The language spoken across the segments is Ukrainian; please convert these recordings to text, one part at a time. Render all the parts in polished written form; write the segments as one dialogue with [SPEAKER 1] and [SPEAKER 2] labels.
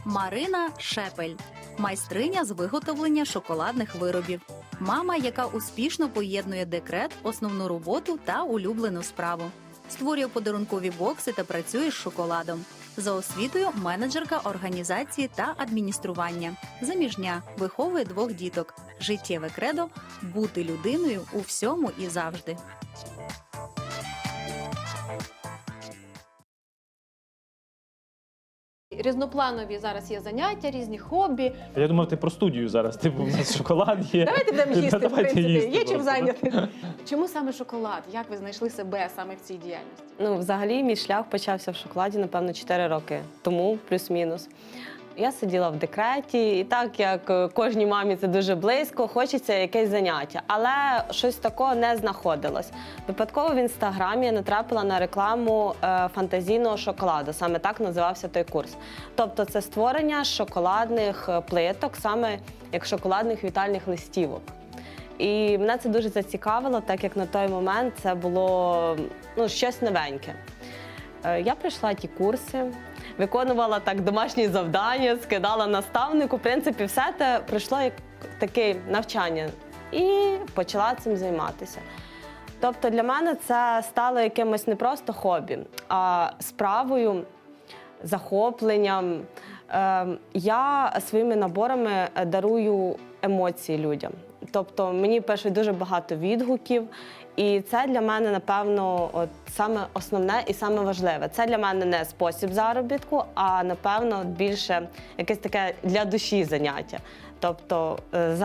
[SPEAKER 1] Марина Шепель – майстриня з виготовлення шоколадних виробів. Мама, яка успішно поєднує декрет, основну роботу та улюблену справу. Створює подарункові бокси та працює з шоколадом. За освітою – менеджерка організації та адміністрування. Заміжня, виховує 2 діток. Життєве кредо – бути людиною у всьому і завжди.
[SPEAKER 2] Різнопланові зараз є заняття, різні хобі.
[SPEAKER 3] Я думав, ти про студію зараз. Типу, у нас шоколад є.
[SPEAKER 2] Давайте будемо їсти, в
[SPEAKER 3] Давайте
[SPEAKER 2] принципі.
[SPEAKER 3] їсти
[SPEAKER 2] Є чим
[SPEAKER 3] просто.
[SPEAKER 2] зайняти. Чому саме шоколад? Як ви знайшли себе саме в цій діяльності?
[SPEAKER 4] Ну, взагалі, мій шлях почався в шоколаді, напевно, 4 роки тому, плюс-мінус. Я сиділа в декреті, і так, як кожній мамі це дуже близько, хочеться якесь заняття. Але щось такого не знаходилось. Випадково в Інстаграмі я натрапила на рекламу фантазійного шоколаду. Саме так називався той курс. Тобто це створення шоколадних плиток, саме як шоколадних вітальних листівок. І мене це дуже зацікавило, так як на той момент це було щось новеньке. Я пройшла ті курси, виконувала так домашні завдання, скидала наставнику. В принципі, все це пройшло як таке навчання і почала цим займатися. Тобто для мене це стало якимось не просто хобі, а справою, захопленням. Я своїми наборами дарую емоції людям. Тобто мені пишуть дуже багато відгуків, і це для мене, напевно, саме основне і саме важливе. Це для мене не спосіб заробітку, а, напевно, більше якесь таке для душі заняття. Тобто,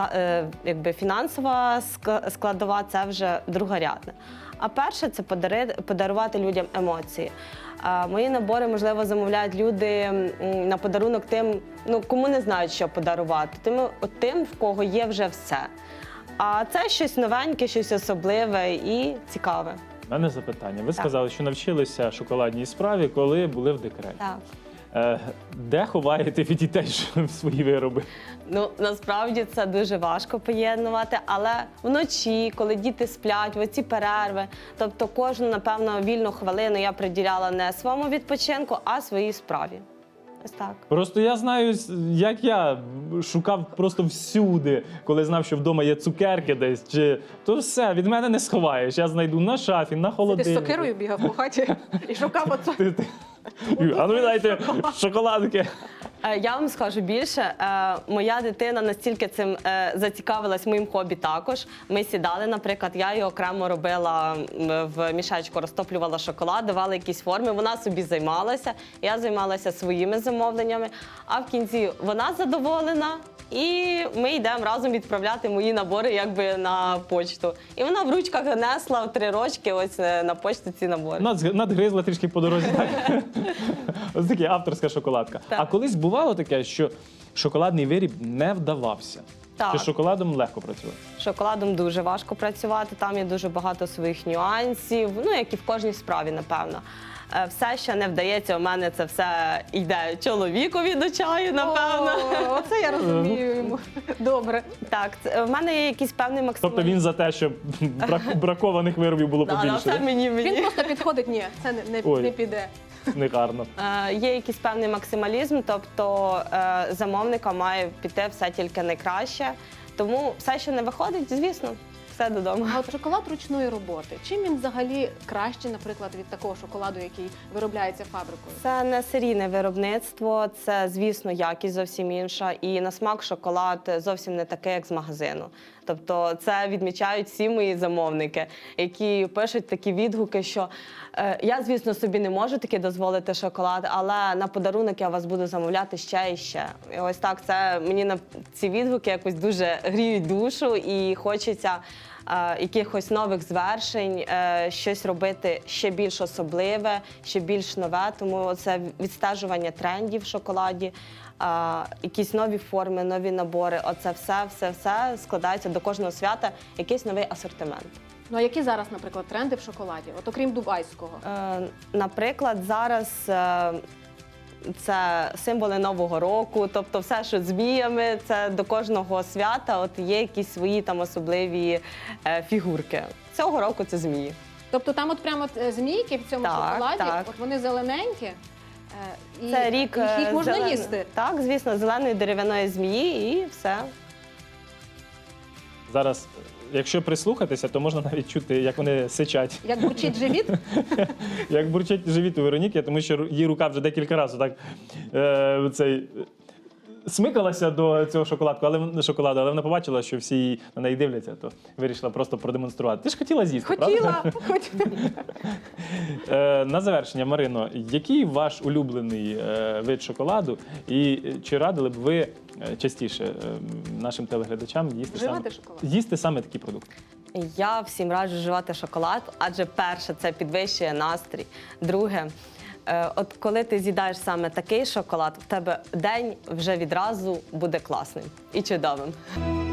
[SPEAKER 4] якби фінансова складова – це вже другорядне. А перше – це подарувати людям емоції. Мої набори, можливо, замовляють люди на подарунок тим, кому не знають, що подарувати, тим, в кого є вже все. А це щось новеньке, щось особливе і цікаве.
[SPEAKER 3] У мене запитання. Ви сказали, що навчилися шоколадній справі, коли були в декреті.
[SPEAKER 4] Так.
[SPEAKER 3] Де ховаєте від дітей свої вироби?
[SPEAKER 4] Насправді це дуже важко поєднувати, але вночі, коли діти сплять, в оці перерви, тобто кожну, напевно, вільну хвилину я приділяла не своєму відпочинку, а своїй справі. Ось так.
[SPEAKER 3] Просто я знаю, як я шукав просто всюди, коли знав, що вдома є цукерки десь, то все, від мене не сховаєш. Я знайду на шафі, на
[SPEAKER 2] Ти
[SPEAKER 3] холодильнику.
[SPEAKER 2] з сокирою бігав по хаті і шукав оце.
[SPEAKER 3] А ну віддайте шоколадки.
[SPEAKER 4] Я вам скажу більше, моя дитина настільки цим зацікавилась моїм хобі також. Ми сідали, наприклад, я її окремо робила в мішечку, розтоплювала шоколад, давала якісь форми, вона собі займалася, я займалася своїми замовленнями, а в кінці вона задоволена, і ми йдемо разом відправляти мої набори якби на почту. І вона в ручках несла в 3 рочки ось на почту ці набори.
[SPEAKER 3] Надгризла трішки по дорозі. Так? Ось таке авторська шоколадка.
[SPEAKER 4] Так.
[SPEAKER 3] А колись бувало таке, що шоколадний виріб не вдавався?
[SPEAKER 4] Так.
[SPEAKER 3] Чи з шоколадом легко працювати?
[SPEAKER 4] З шоколадом дуже важко працювати, там є дуже багато своїх нюансів, як і в кожній справі, напевно. Все, що не вдається, у мене це все йде чоловікові до чаю, напевно.
[SPEAKER 2] Оце я розумію йому. Добре.
[SPEAKER 4] Так, в мене є якийсь певний максимум.
[SPEAKER 3] Тобто він за те, щоб бракованих виробів було побільше?
[SPEAKER 4] Все мені.
[SPEAKER 2] Він просто підходить, ні, це не піде.
[SPEAKER 3] Не гарно.
[SPEAKER 4] Є якийсь певний максималізм, тобто замовника має піти все тільки найкраще. Тому все, що не виходить, звісно, все додому.
[SPEAKER 2] А от шоколад ручної роботи, чим він взагалі краще, наприклад, від такого шоколаду, який виробляється фабрикою?
[SPEAKER 4] Це не серійне виробництво, це, звісно, якість зовсім інша. І на смак шоколад зовсім не такий, як з магазину. Тобто це відмічають всі мої замовники, які пишуть такі відгуки, що я, звісно, собі не можу таки дозволити шоколад, але на подарунок я вас буду замовляти ще і ще. І ось так, це мені на ці відгуки якось дуже гріють душу і хочеться якихось нових звершень, щось робити ще більш особливе, ще більш нове. Тому це відстежування трендів в шоколаді, якісь нові форми, нові набори. Оце все складається до кожного свята, якийсь новий асортимент.
[SPEAKER 2] Ну а які зараз, наприклад, тренди в шоколаді? От окрім дубайського?
[SPEAKER 4] Наприклад, зараз це символи Нового року, тобто все, що з зміями, це до кожного свята от є якісь свої там особливі фігурки. Цього року це змії.
[SPEAKER 2] Тобто там от прямо змійки в цьому
[SPEAKER 4] Так,
[SPEAKER 2] шоколаді,
[SPEAKER 4] так.
[SPEAKER 2] от вони зелененькі, І
[SPEAKER 4] Це рік
[SPEAKER 2] їх можна
[SPEAKER 4] зелен-
[SPEAKER 2] їсти.
[SPEAKER 4] Так, звісно, зеленої дерев'яної змії і все.
[SPEAKER 3] Зараз, якщо прислухатися, то можна навіть чути, як вони сичать.
[SPEAKER 2] Як бурчить живіт,
[SPEAKER 3] Як бурчить живіт у Вероніки, тому що її рука вже декілька разів так смикалася до цього шоколаду, але вона побачила, що всі на неї дивляться, то вирішила просто продемонструвати. Ти ж хотіла з'їсти, правда?
[SPEAKER 2] хотіла.
[SPEAKER 3] На завершення, Марино, який ваш улюблений вид шоколаду, і чи радили б ви частіше нашим телеглядачам
[SPEAKER 2] Вживати шоколад?
[SPEAKER 3] їсти саме такі продукти?
[SPEAKER 4] Я всім раджу вживати шоколад, адже перше, це підвищує настрій. Друге, от коли ти з'їдаєш саме такий шоколад, в тебе день вже відразу буде класним і чудовим.